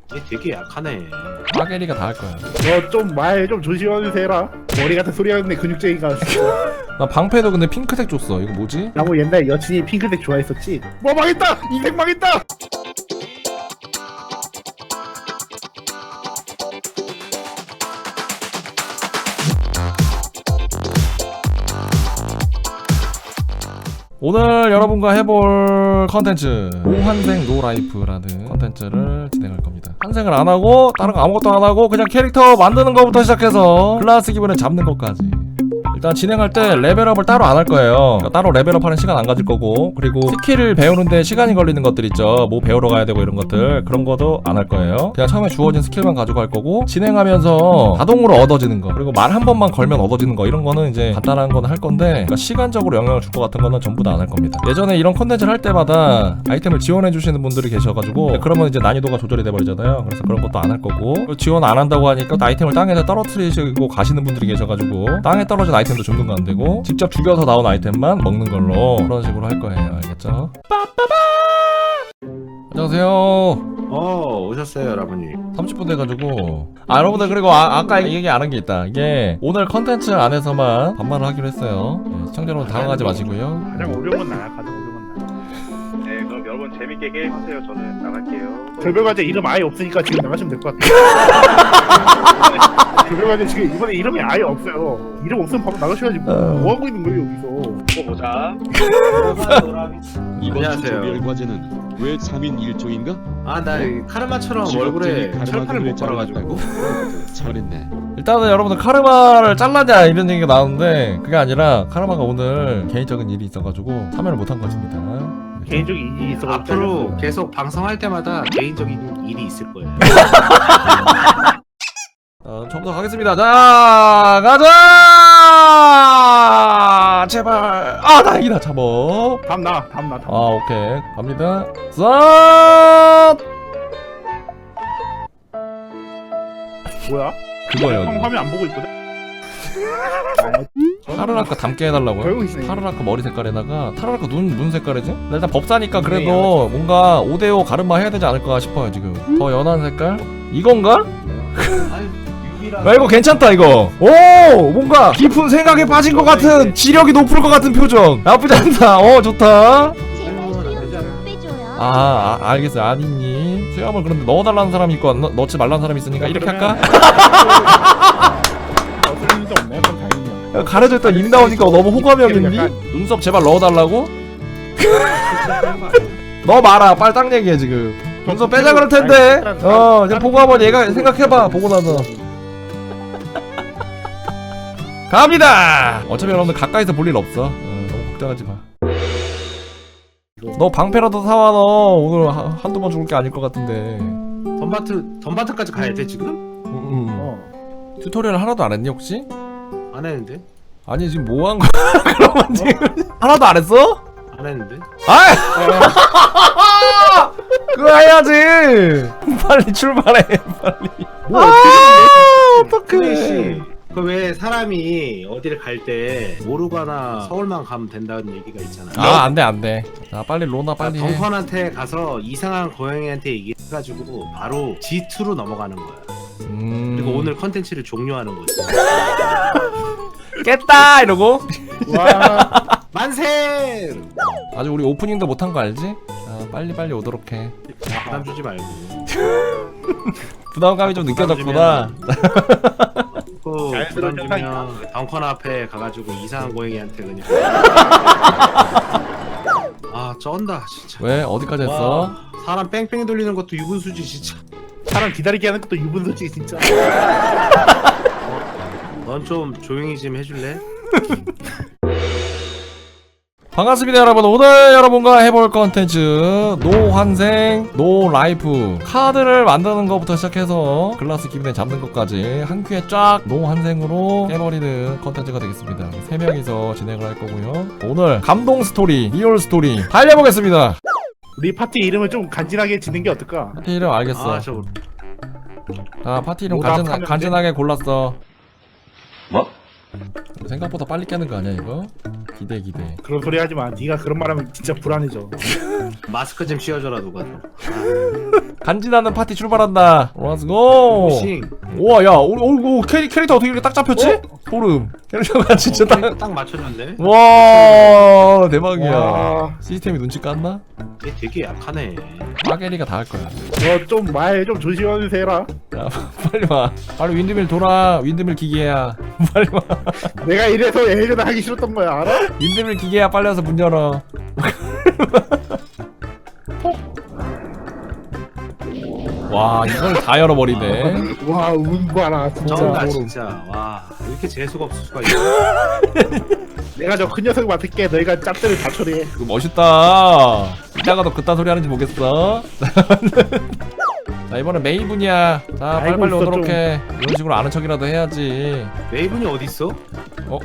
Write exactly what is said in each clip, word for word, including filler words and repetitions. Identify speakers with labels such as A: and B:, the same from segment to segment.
A: 얘 되게 약하네.
B: 빠게리가 다 할 거야.
C: 너 좀 말 좀 조심하면서 해라. 머리 같은 소리 하는데 근육쟁이가.
B: 나 방패도 근데 핑크색 줬어. 이거 뭐지?
C: 나뭐 옛날 여친이 핑크색 좋아했었지. 뭐 망했다. 인생 망했다.
B: 오늘 여러분과 해볼 컨텐츠 노환생 노라이프라는 컨텐츠를 진행할 겁니다. 환생을 안하고 다른 거 아무것도 안하고 그냥 캐릭터 만드는 거부터 시작해서 클래스 기분을 잡는 것까지. 일단 진행할 때 레벨업을 따로 안 할 거예요. 그러니까 따로 레벨업 하는 시간 안 가질 거고, 그리고 스킬을 배우는데 시간이 걸리는 것들 있죠. 뭐 배우러 가야 되고 이런 것들, 그런 것도 안 할 거예요. 그냥 처음에 주어진 스킬만 가지고 할 거고, 진행하면서 자동으로 얻어지는 거, 그리고 말 한 번만 걸면 얻어지는 거, 이런 거는 이제 간단한 거는 할 건데, 그러니까 시간적으로 영향을 줄 것 같은 거는 전부 다 안 할 겁니다. 예전에 이런 컨텐츠를 할 때마다 아이템을 지원해 주시는 분들이 계셔가지고, 그러면 이제 난이도가 조절이 돼버리잖아요. 그래서 그런 것도 안 할 거고, 지원 안 한다고 하니까 아이템을 땅에서 떨어뜨리시고 가시는 분들이 계셔가지고 땅에 떨어진 아이템도 줍는 거 안 되고, 직접 죽여서 나온 아이템만 먹는 걸로 그런 식으로 할 거예요. 알겠죠? 빠빠바! 안녕하세요.
A: 어 오셨어요 여러분님.
B: 삼십 분 돼가지고. 아 여러분들, 그리고 아, 아까 얘기 안 한 게 있다. 이게 오늘 컨텐츠 안에서만 반말을 하기로 했어요. 네, 시청자 여러분 당황하지 마시고요.
C: 가장 어려운 건 나야. 가장 어려운 건 나.
D: 네, 그럼 여러분 재밌게 게임하세요. 저는 나갈게요.
C: 결별과제 이름 아예 없으니까 지금 나가시면 될 것 같아요. 결별과제 지금 이번에 이름이 아예 없어요. 이름 없으면 바로 나가셔야지. 뭐,
B: 어.
C: 뭐 하고 있는 거예요 여기서?
D: 또 보자.
E: 이번 주
A: 안녕하세요.
E: 조별 과제는 왜 삼 인 일 조인가?
A: 아나 카르마처럼
E: 직업적인
A: 얼굴에
E: 카르마
A: 철판을
E: 그를
A: 못 깔아가지고.
E: 잘랐다고? 잘했네.
B: 일단은 여러분들 카르마를 잘랐냐 이런 얘기가 나오는데, 그게 아니라 카르마가 오늘 개인적인 일이 있어가지고 참여를 못한 것입니다.
C: 개인적인 일이 있어.
A: 앞으로 계속 방송할 때마다 개인적인 일이 있을 거예요.
B: 어, 처음부터 가겠습니다. 자, 가자! 제발. 아, 다행이다. 잡어.
C: 다음 나, 다음 나, 다음.
B: 아, 오케이. 갑니다. 싹!
C: 뭐야?
B: 그거예요.
C: 형 화면 안 보고 있거든.
B: 타르라카 닮게 해달라고요?
C: 별거 있네.
B: 타르라카 머리 색깔에다가 타르라카 눈, 눈 색깔이지? 나 일단 법사니까 그래도 뭔가 오 대 오 가르마 해야 되지 않을까 싶어요 지금. 더 연한 색깔? 이건가? 야 이거 괜찮다 이거. 오 뭔가 깊은 생각에 빠진 것 같은, 지력이 높을 것 같은 표정. 나쁘지 않다. 어 좋다.
F: 제발 소리 좀 빼줘요.
B: 아, 아 알겠어요. 아니님 수염을 그런데 넣어달라는 사람이 있고 안 넣, 넣지 말라는 사람이 있으니까 이렇게 할까?
C: 어슬 일도 없네. 그럼 다행이야.
B: 야, 가려져 있다 임 나오니까 너무 호감이 없는데? 눈썹 제발 넣어달라고? 너 말아 빨리 딱 얘기해 지금. 눈썹 빼자 그럴 텐데. 어 이제 보고 한번 얘가 생각해봐. 보고 나서 갑니다. 어차피 여러분들 가까이서 볼 일 없어. 어, 너무 걱정하지 마. 너 방패라도 사와. 너 오늘 하, 한두 번 죽을 게 아닐 것 같은데.
A: 덤바트 덤바트까지 가야 돼 지금?
B: 음, 음.
C: 어.
B: 튜토리얼 하나도 안 했니 혹시?
A: 안 했는데?
B: 아니 지금 뭐 한 거야? 그러면 지금 하나도 안 했어?
A: 안 했는데?
B: 아이! 그거 해야지! 빨리 출발해, 빨리.
C: 뭐
B: 아,
C: 어떻게
A: 크레이
B: 어떡해.
A: 씨. 그 왜 사람이 어디를 갈 때 모르거나 서울만 가면 된다는 얘기가 있잖아.
B: 아, 안 돼, 안 돼. 자, 빨리 로나 빨리 해.
A: 덩컨한테 가서 이상한 고양이한테 얘기해가지고 바로 지 투로 넘어가는 거야.
B: 음...
A: 그리고 오늘 컨텐츠를 종료하는 거지.
B: 깼다! 이러고.
C: 와.
A: 만세!
B: 아직 우리 오프닝도 못한 거 알지? 자, 빨리 빨리 오도록 해.
A: 부담 주지 말고.
B: 부담감이 좀 느껴졌구나.
A: 그
C: 자연스러운
A: 부담 주면 덩컨 앞에 가가지고 이상한 고양이한테 그냥. 아 쩐다 진짜.
B: 왜? 어디까지 했어?
A: 와, 사람 뺑뺑이 돌리는 것도 유분수지 진짜.
C: 사람 기다리게 하는 것도 유분수지 진짜.
A: 넌 좀 조용히 좀 해줄래?
B: 반갑습니다 여러분. 오늘 여러분과 해볼 컨텐츠 노환생 노라이프. 카드를 만드는 것부터 시작해서 클래스 기분에 잡는 것까지 한 큐에 쫙 노환생으로 깨버리는 컨텐츠가 되겠습니다. 세 명이서 진행을 할 거고요. 오늘 감동 스토리, 리얼 스토리 달려보겠습니다.
C: 우리 파티 이름을 좀 간지나게 짓는 게 어떨까?
B: 파티 이름 알겠어.
A: 아 저
B: 자 파티 이름
C: 오답
B: 간지,
C: 하면
B: 간지나게 골랐어.
G: 뭐?
B: 생각보다 빨리 깨는 거 아니야 이거? 기대 기대.
C: 그런 소리 하지 마. 네가 그런 말하면 진짜 불안해져.
A: 마스크 좀 씌워줘라 누가.
B: 간지나는 파티 출발한다. 렛츠고.
A: 싱.
B: 우와 야 우리 오, 오 캐리, 캐릭터 어떻게 이렇게 딱 잡혔지? 소름. 캐릭터가 진짜 딱.
A: 어, 딱 맞춰줬네.
B: 와 대박이야.
C: 와,
B: 시스템이 눈치 깠나?
A: 얘 되게 약하네.
B: 빠게리가 다 할 거야.
C: 너 좀 말 좀 조심하면서 해라.
B: 야 빨리 와. 빨리 윈드밀 돌아. 윈드밀 기계야. 빨리 와.
C: 내가 이래서 예전에 하기 싫었던 거야, 알아?
B: 윈드밀 기계야 빨리 와서 문 열어. 와 이걸 다 열어버리네.
C: 와, 운 봐라, 진짜.
A: 쩐다
C: 모름.
A: 진짜. 와 이렇게 재수가 없을 수가 있어.
C: 내가 저 큰 녀석 맡을게. 너희가 짭들을 다 처리해.
B: 이거 멋있다. 이따가도 그딴 소리 하는지 보겠어. 자 이번엔 메이분이야. 자
C: 알고
B: 빨리빨리
C: 있어,
B: 오도록
C: 좀.
B: 해. 이런 식으로 아는 척이라도 해야지.
A: 메이븐이 어디 있어?
B: 어?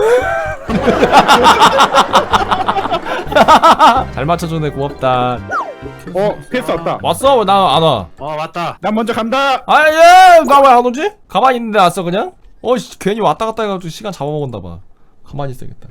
B: 잘 맞춰주네 고맙다.
C: 어, 패스 왔다.
B: 왔어? 왜 나 안 와?
A: 어 왔다.
C: 난 먼저 간다.
B: 아예 나 왜 안 오지? 가만히 있는데 왔어 그냥? 어씨 괜히 왔다 갔다 해가지고 시간 잡아먹었나봐. 가만히 있어야겠다.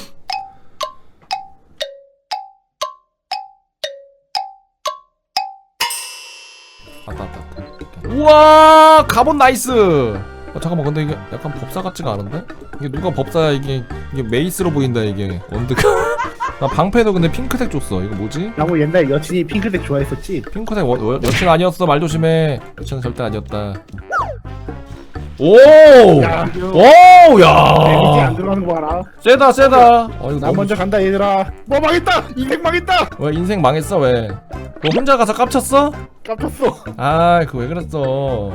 B: 왔다 왔다 왔다. 우와 갑옷 나이스. 어, 잠깐만 근데 이게 약간 법사 같지가 않은데? 이게 누가 법사야 이게 이게 메이스로 보인다 이게 원드가. 나 방패도 근데 핑크색 줬어. 이거 뭐지?
C: 나뭐 옛날에 여친이 핑크색 좋아했었지.
B: 핑크색 워, 워, 여친 아니었어. 말 조심해. 여친은 절대 아니었다. 오!
C: 야,
B: 오!
C: 이제
B: 야!
C: 안 들어가는 거 봐라.
B: 세다 세다. 어 이거
C: 난
B: 너무
C: 먼저 간다, 얘들아. 뭐 망했다. 인생 망했다.
B: 왜 인생 망했어 왜? 너 혼자 가서 깝쳤어?
C: 깜쳤어.
B: 아 그거 왜 그랬어?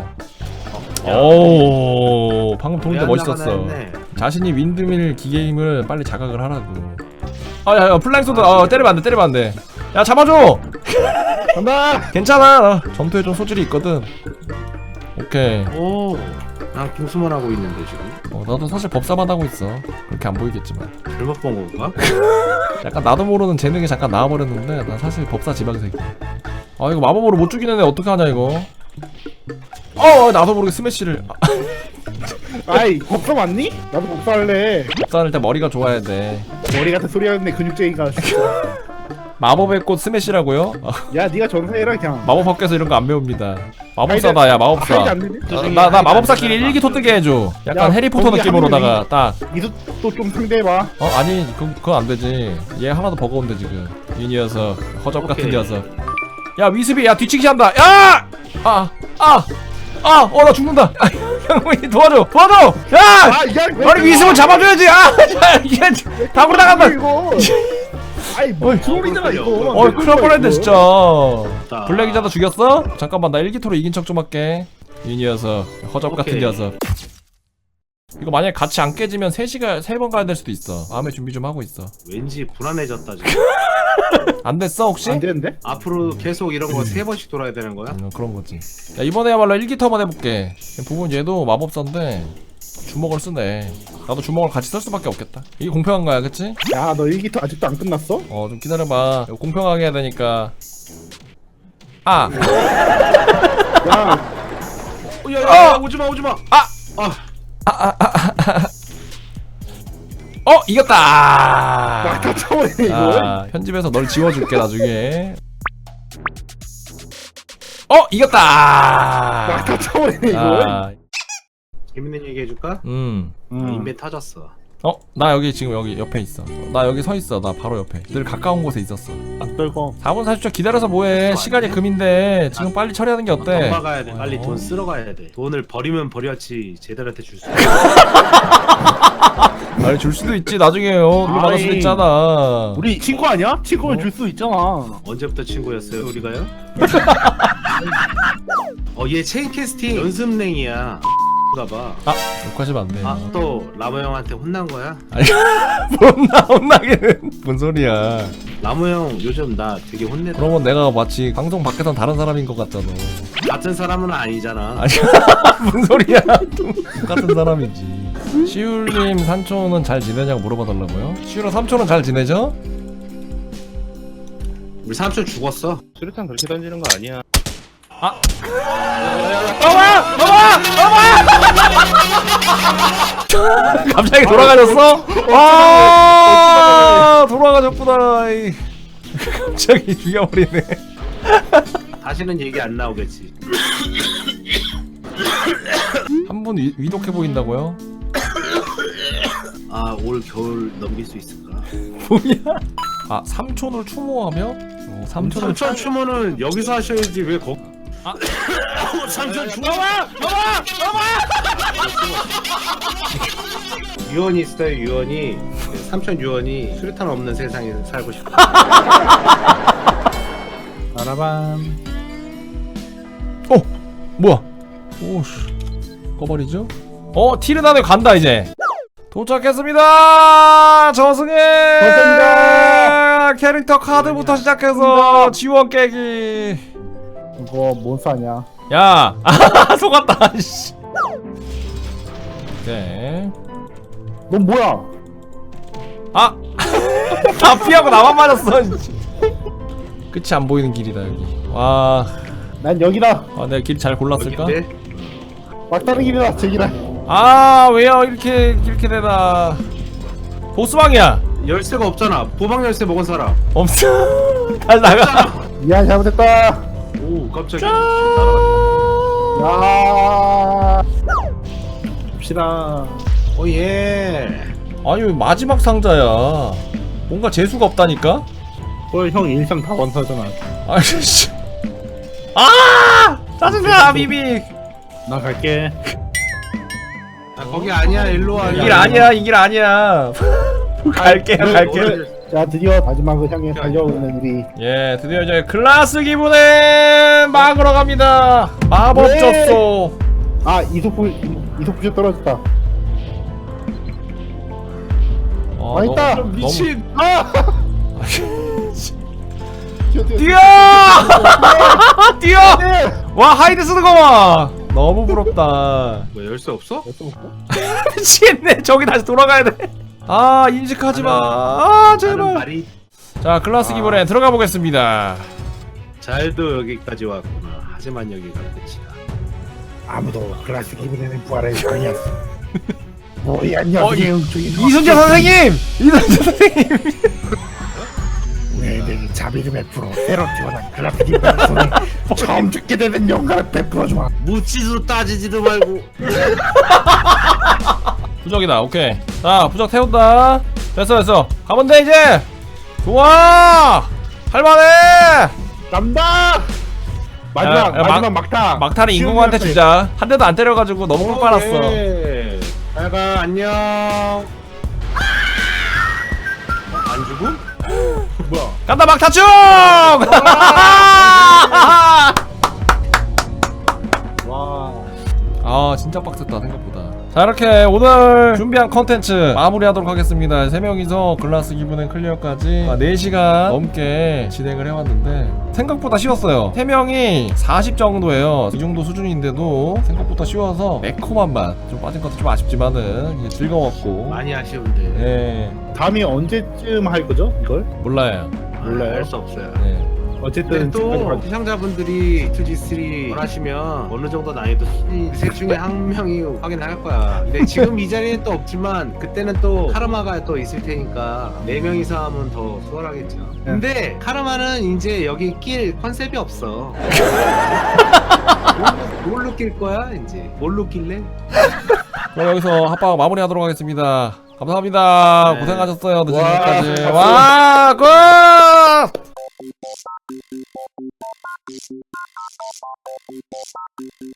B: 오 방금 돌 때 멋있었어. 자신이 윈드밀 기계임을 빨리 자각을 하라고. 아야 플라잉 소드 어 때리면 안돼 때리면 안돼. 야 잡아줘.
C: 간다.
B: 괜찮아. 나 전투에 좀 소질이 있거든. 오케이.
A: 오. 난 공수만 하고 있는데 지금.
B: 어 나도 사실 법사만 하고 있어. 그렇게 안 보이겠지만.
A: 잘못 본 건가?
B: 약간 나도 모르는 재능이 잠깐 나와버렸는데 난 사실 법사 지방색이야. 아 이거 마법으로 못 죽이는 애 어떡하냐 이거. 어 나도 모르게 스매시를.
C: 아이, 법사 맞니? 나도 법사할래.
B: 법사는 일단 머리가 좋아야 돼.
C: 머리 같은 소리 하는데 근육쟁이가.
B: 마법의 꽃 스매시라고요? 아,
C: 야, 네가 전사해라 그냥.
B: 마법 학교에서 이런 거 안 배웁니다. 마법사다 야 마법사.
C: 하이드 안 되네?
B: 어, 나, 나 마법사끼리 일기토 뜨게 해줘. 약간
C: 야,
B: 해리포터
C: 거기
B: 느낌으로다가
C: 한
B: 딱.
C: 이것도 좀 상대해봐.
B: 어 아니 그, 그건 안 되지. 얘 하나도 버거운데 지금. 이 녀석 허접 같은
A: 오케이.
B: 녀석. 야 위스비 야 뒤치기 한다. 야! 아! 아! 아! 어 나 죽는다. 형이 도와줘 도와줘. 야!
C: 아, 야, 왜
B: 아니 위스비 잡아줘야지. 아! 야, 이게 다구로 나간다.
C: 이거. 아이, 뭐 트롤이잖아 이거.
B: 어 큰일 날 뻔했네 진짜.
A: 나-
B: 블랙 기자도 죽였어? 잠깐만 나 일기토로 이긴 척 좀 할게. 이 녀석 허접 같은
A: 오케이.
B: 녀석. 이거 만약에 같이 안 깨지면 세 시간 세 번 가야 될 수도 있어. 마음의 준비 좀 하고 있어.
A: 왠지 불안해졌다 지금.
B: 안 됐어 혹시?
C: 안 되는데?
A: 앞으로 계속 이런 거 세 번씩 돌아야 되는 거야?
B: 음, 그런 거지. 야 이번에야말로 일기토 한번 해볼게. 부분 얘도 마법사인데 주먹을 쓰네. 나도 주먹을 같이 쓸 수밖에 없겠다. 이게 공평한 거야 그치?
C: 야, 너 일기토 아직도 안 끝났어?
B: 어 좀 기다려봐. 이거 공평하게 해야 되니까. 아!
C: 야,
A: 어, 야, 야, 야,
B: 어!
A: 오지마 오지마.
B: 아!
A: 아
B: 어 이겼다.
C: 막다 쳐버리네 이거.
B: 아, 편집해서 널 지워줄게 나중에. 어 이겼다.
C: 막다 쳐버리네 이거.
B: 아,
A: 재밌는 얘기 해줄까?
B: 음.
C: 음.
A: 인벤 터졌어.
B: 어 나 여기 지금 여기 옆에 있어. 나 여기 서 있어. 나 바로 옆에. 늘 가까운 곳에 있었어.
C: 안 떨고.
B: 사 분 사십 초 기다려서 뭐해? 시간이 금인데 지금 빨리 처리하는 게 어때?
A: 돈 박아야 돼. 빨리
B: 어.
A: 돈 쓸어 가야 돼. 돈을 버리면 버렸지 제들한테 줄 수.
B: 아니 줄 수도 있지 나중에요. 그거 받을 수도
C: 아니.
B: 있잖아.
C: 우리 친구 아니야? 친구는 줄 수 있잖아.
A: 언제부터 친구였어요 우리가요? 어얘 체인 캐스팅 연습랭이야. 가봐.
B: 아 욕하시면 안 돼.
A: 아 또 라모 형한테 혼난 거야?
B: 혼나 혼나기는 뭔 소리야?
A: 라모 형 요즘 나 되게 혼내다.
B: 그러면 내가 마치 방송 밖에선 다른 사람인 것 같잖아.
A: 같은 사람은 아니잖아.
B: 아니 뭔 소리야? 똑같은 사람이지. 시울님 삼촌은 잘 지내냐고 물어봐달라고요? 시울아 삼촌은 잘 지내죠?
A: 우리 삼촌 죽었어.
D: 수류탄 그렇게 던지는 거 아니야.
B: 어마! 어마! 어마! 갑자기 돌아가셨어? 아 돌아가셨구나. 이. 갑자기 죽여버리네.
A: 다시는 얘기 안 나오겠지.
B: 한 분 위독해 보인다고요?
A: 아 올 겨울 넘길 수 있을까?
B: 뭐야? 아 삼촌을 추모하며? 어, 삼촌을
A: 삼촌 추모는 여기서 하셔야지 왜 거? 아 삼촌 죽어봐! 죽어봐! 죽어봐! 유언이 있어요. 유언이 삼촌 유언이 수류탄 없는 세상에 살고 싶어.
C: 바라밤.
B: 어! 뭐야? 오씨 꺼버리죠? 어 티르나네 간다 이제. 도착했습니다. 저승에
C: 고맙습니다.
B: 캐릭터 카드부터 시작해서 지원 깨기.
C: 이거 뭔 싸냐?
B: 야, 아, 속았다. 씨. 오케이.
C: 넌 뭐야?
B: 아, 다 피하고 나만 맞았어. 씨. 끝이 안 보이는 길이다 여기. 와,
C: 난 여기다.
B: 아, 내가 길 잘 골랐을까?
A: 여긴데?
C: 막다른 길이다. 저기다.
B: 아, 왜요 이렇게 이렇게 되나? 보스방이야.
A: 열쇠가 없잖아. 보방 열쇠 먹은 사람.
B: 없어. 다시 나가.
C: 미안 잘못했다.
A: 오 깜짝이야.
C: 야. 봅시다.
A: 오예.
B: 아니 왜 마지막 상자야? 뭔가 재수가 없다니까?
C: 헐, 형 일상 다 완사잖아.
B: 아이씨. 아! 짜증나 비비.
C: 나 갈게.
A: 아 거기 아니야. 일로 와.
B: 이 길 아니야 이 길 아니야. 갈게 갈게.
C: 자, 드디어 마지막을 향해 달려오는 우리.
B: 예 드디어 이제 클라스 기분에 막으러 갑니다. 마법
C: 네.
B: 졌소.
C: 아, 이속부 이속부쇼 떨어졌다.
B: 어,
C: 아, 있다.
B: 너무-
A: 미친.
C: 아! 뛰어, 뛰어.
B: 뛰어! 뛰어! 와 하이드 쓰는 거 봐. 너무 부럽다.
A: 뭐 열쇠 없어?
B: 미치겠네. 저기 다시 돌아가야 돼. 아 인식하지 마. 아
A: 나는
B: 제발.
A: 말이
B: 자 클라스 기분에 들어가 보겠습니다.
A: 잘도 여기까지 왔구나. 하지만 여기가 끝이야.
C: 아무도 클래스 기분에는 부활할 아니었어. 뭐야, 녀석이 웅중이.
B: 이순재 선생님! 이순재 선생님!
C: 우리에게 자비를 베풀어 새로 태어난 클래스 기분의 손에 처음 죽게 되는 영광을 베풀어주마.
A: 묻지도 따지지도 말고.
B: 부적이다 오케이. 자 부적 태운다. 됐어 됐어 가면 돼 이제. 좋아 할만해.
C: 간다. 마지막
B: 야, 야,
C: 마지막
B: 막-
C: 막타.
B: 막타는
C: 쉬운
B: 인공한테
C: 막타.
B: 주자. 한 대도 안 때려가지고 너무 꿀 빨았어.
A: 예. 잘가 안녕. 안 죽음?
C: 뭐야?
B: 간다 막타충!
C: 와.
B: 아 진짜 빡셌다 생각보다. 자 이렇게 오늘 준비한 컨텐츠 마무리하도록 하겠습니다. 세 명이서 글라스 기분의 클리어까지 네 시간 넘게 진행을 해왔는데 생각보다 쉬웠어요. 세 명이 사십 정도예요. 이 정도 수준인데도 생각보다 쉬워서 매콤한 맛 좀 빠진 것도 좀 아쉽지만은 이게 즐거웠고.
A: 많이 아쉬운데.
B: 예
C: 다음이 언제쯤 할 거죠? 이걸?
B: 몰라요.
C: 몰라요.
A: 알 수 없어요.
B: 예.
C: 어쨌든
A: 근데 또 시청자분들이 투지 쓰리 원하시면 어느 정도 난이도 수준이 셋 중에 한 명이 확인할 거야. 근데 지금 이 자리에 또 없지만 그때는 또 카르마가 또 있을 테니까 네 명이서 하면 더 수월하겠죠. 근데 카르마는 이제 여기 낄 컨셉이 없어. 뭘- 뭘로 낄 거야 이제? 뭘로 낄래?
B: 그럼 여기서 합방 마무리하도록 하겠습니다. 감사합니다.
A: 네.
B: 고생하셨어요. 늦은
C: 와,
B: 시간까지.
C: 박수.
B: 와, 굿!